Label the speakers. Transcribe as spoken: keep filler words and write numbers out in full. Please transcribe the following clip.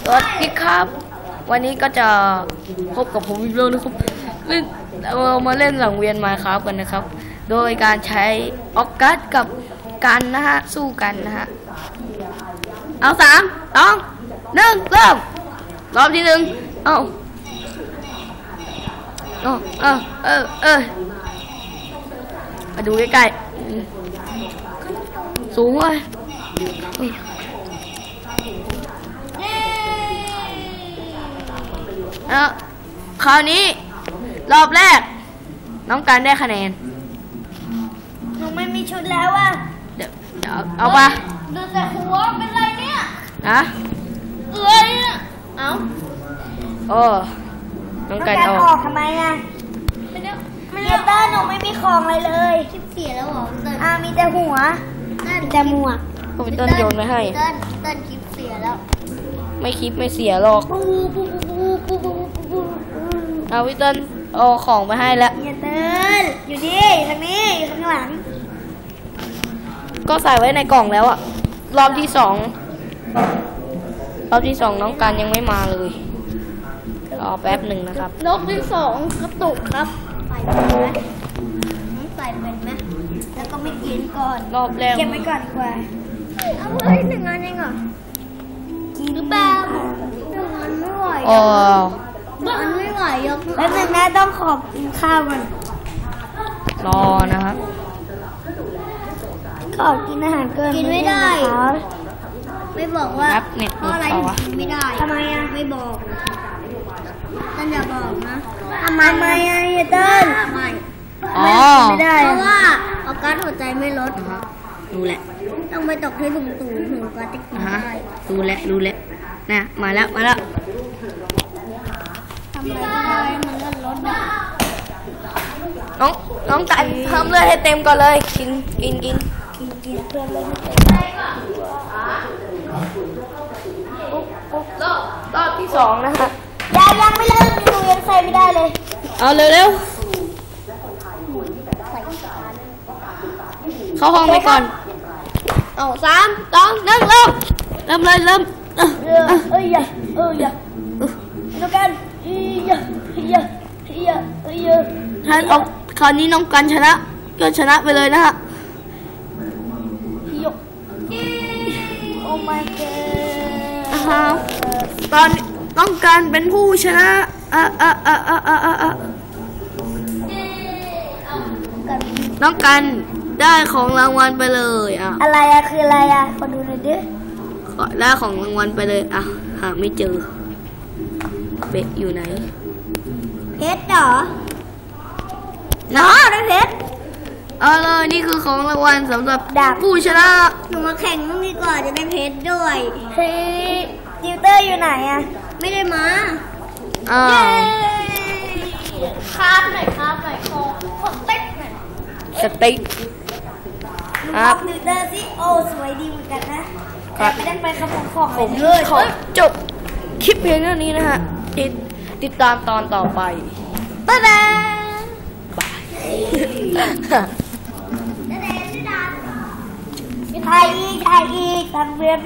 Speaker 1: สวัสดีครับวันนี้ก็จะพบกับผมอีกแล้วนะครับเล่นเรามาเล่นสังเวียนมาครับกันนะครับโดยการใช้ออกกัสกับกันนะฮะสู้กันนะฮะเอาสามสองหนึ่งเริ่มรอบที่หนึ่งเอาเออเออเออเออมาดูใกล้ๆสูงเลยแล้วคราวนี้รอบแรกน้องการได้คะแนน
Speaker 2: หนูไม่มีชุดแล้วอ่ะ
Speaker 1: เดี๋ยวเดี๋ยวเอาปะ
Speaker 2: ดูแต่หัวเป็นไรเนี่ย
Speaker 1: นะ
Speaker 2: เอ้ยเอา
Speaker 1: โอ้น้องการอ
Speaker 2: อกทำไมอ่ะไม่ได้ไม่ได้เต้นหนูไม่มีของอะไรเลยคลิปเสียแล้วหรอเต้นอ่ามีแต่หัวมีแต่หมวก
Speaker 1: ก็ไปเต้นโยนไปให้
Speaker 2: เต้นเต้นคลิปเสียแล้ว
Speaker 1: ไม่คลิปไม่เสียหรอกเอาพี่เต้นเอาของไปให้แล้ว
Speaker 2: อย่าเต้นอยู่ดิทางนี้อยู่ข้างหลัง
Speaker 1: ก็ใส่ไว้ในกล่องแล้วอะรอบที่สองรอบที่สองน้องการยังไม่มาเลยรอแป๊บหนึ่งนะครับ
Speaker 2: รอบที่สองกระตุกครับใส่เป็นไหมใส่เป็นไหมแล้วก็ไม่กินก่อน
Speaker 1: รอบแรก
Speaker 2: เก็บไว้ก่อนดีกว่าเอาไว้หนึ่งอันเองเหรอกินหรือเปล่าหนึ่งอันไม่ไหว
Speaker 1: อ๋อ
Speaker 2: มันไม่ไหวยกแล้วหนึ่งแม่ต้องขอบกินข้าวมัน
Speaker 1: รอนะครับ
Speaker 2: ขอบกินอาหารเกินกินไม่ได้ไม่บอกว่าเพราะอะไรกินไม่ได้ทำไมอ่ะไม่บอกท่านอย่าบอกนะทำไมอ่ะเต้นไม่ไม่ได้เพราะว่าออกการหัวใจไม่ลด
Speaker 1: ดูแหละ
Speaker 2: ต้องไปตกให้ถุงตูถึงก็จะกินได้
Speaker 1: ดูแหละดูแหละนะมาแล้วมาแล้ว
Speaker 2: ทำอะไรก็ได้มันเลื่อนรถ
Speaker 1: น้องน้องกันเพิ่มเลือดให้เต็มก่อนเลยกินกินกิน
Speaker 2: กินกินเพื่อนเลย
Speaker 1: รอบรอบที่สองนะคะ
Speaker 2: ยังยังไม่เลิกหนูยังใส่ไม่ได้เลย
Speaker 1: เอาเร็วเร็วเข้าห้องไปก่อนเอาสามสองหนึ่งเริ่มเริ่มเลยเริ่ม
Speaker 2: เออเอ้ยอย่าเอออย่าน้องกันเอ้ยอย่าเอ้ยอย่าเอ้ยอย่าเอ้ยอย่า
Speaker 1: ถ้าออกคราวนี้น้องกันชนะก็ชนะไปเลยนะฮะ
Speaker 2: โอ้ my
Speaker 1: god ตอนน้องกันเป็นผู้ชนะอ่ะอ่ะอ่ะอ่ะอ่ะอ่ะน้องกันได้ของรางวัลไปเลยอ่ะ
Speaker 2: อะไรอะคืออะไรอะขอดูหน่อยดิ
Speaker 1: ได้ของรางวัลไปเลยอ่ะหาไม่เจอเบ็ดอยู่ไหน
Speaker 2: เพชรเหรอน้อได้เพชร
Speaker 1: เอาเลยนี่คือของรางวัลสำหรับผู้ชนะ
Speaker 2: หนูมาแข่งต้องดีกว่าจะได้เพชรด้วยเฮ้ยติวเตอร์อยู่ไหนอะไม่ได้มา
Speaker 1: อ้าว
Speaker 2: คาบหน่อยคาบหน่อยคอสเต็กหน่อย
Speaker 1: สเต็ก
Speaker 2: ครับติวเตอร์สิโอ้สวยดีเหมือนกันนะแต่ไม่ได้ไปขโมยของ
Speaker 1: ผมเลยขอจบคลิปเพียงเท่านี้นะฮะติดติดตามตอนต่อไป
Speaker 2: บ๊ายบายถ่ายอีกถ่ายอีกทำเพื่อน